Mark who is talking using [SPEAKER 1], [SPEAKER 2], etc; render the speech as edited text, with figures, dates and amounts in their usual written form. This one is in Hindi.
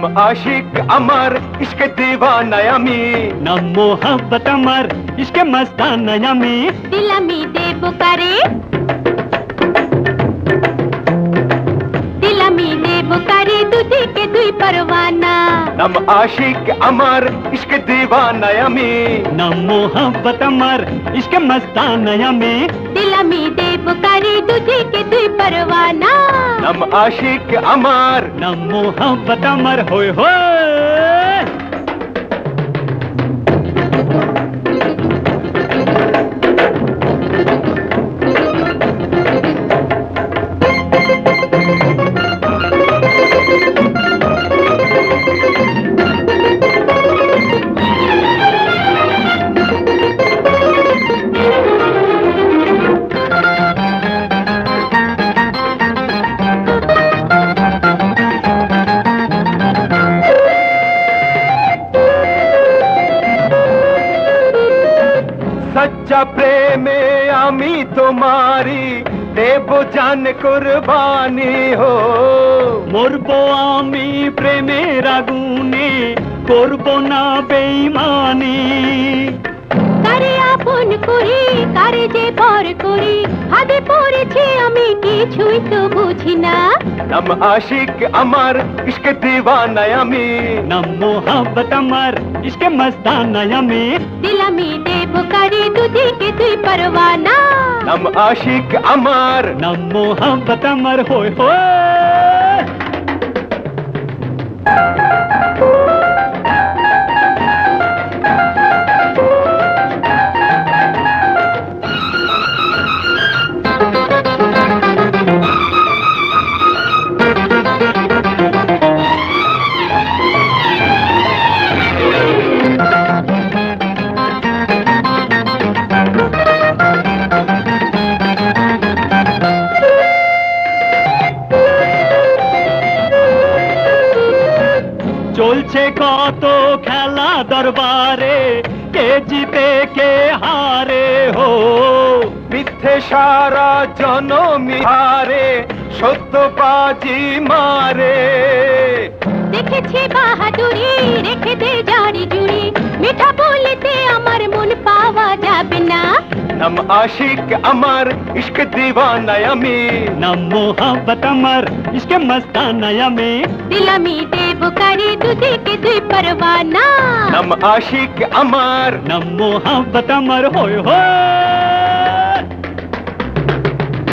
[SPEAKER 1] नम आशिक अमर इश्क दीवाना আমি
[SPEAKER 2] नम मोहब्बत अमर इश्क मस्ताना আমি
[SPEAKER 3] दिल আমি দেব কারে दिल আমি দেব কারে দুদিকে দুই পরওয়ানা
[SPEAKER 1] नम आशिक अमर इश्क दीवाना আমি
[SPEAKER 2] नम मोहब्बत अमर इश्क मस्ताना আমি
[SPEAKER 3] दिल আমি দেব কারে দুদিকে দুই পরওয়ানা
[SPEAKER 1] नम आशिक अमर
[SPEAKER 2] नम मोहब्बत अमर होय होय
[SPEAKER 1] सच्चा प्रेमे আমি তোমারি দেব জান কুরবানি हो
[SPEAKER 2] মরবো আমি প্রেমের আগুনে করব না বেঈমানি
[SPEAKER 3] কারে আপন করি কারে যে পর করি হাতে পড়েছি আমি কিছুই তো বুঝি না
[SPEAKER 1] नम आशिक अमर इश्क दीवाना আমি
[SPEAKER 2] नम मोहब्बत अमर इश्क मस्ताना আমি
[SPEAKER 3] दिल আমি দেব কারে দুদিকে দুই পরওয়ানা
[SPEAKER 1] नम आशिक अमर
[SPEAKER 2] नम मोहब्बत अमर होय होय চলছে কত খেলা দরবারে কে জিতে কে হারে হো
[SPEAKER 1] মিথ্যে সারা জনমি হারে সত্যবাজি মারে
[SPEAKER 3] দেখেছি বাহাদুরি রেখে দে জারি জুড়ি মিঠা বলতে আমার মন পাওয়া যাবে না
[SPEAKER 1] नम आशिक अमर इश्क दीवाना আমি
[SPEAKER 2] नम मोहब्बत अमर इश्क मस्ताना আমি
[SPEAKER 3] दिल আমি দেব কারে দুদিকে দুই পরওয়ানা
[SPEAKER 1] नम आशिक अमर
[SPEAKER 2] नम मोहब्बत अमर होय होय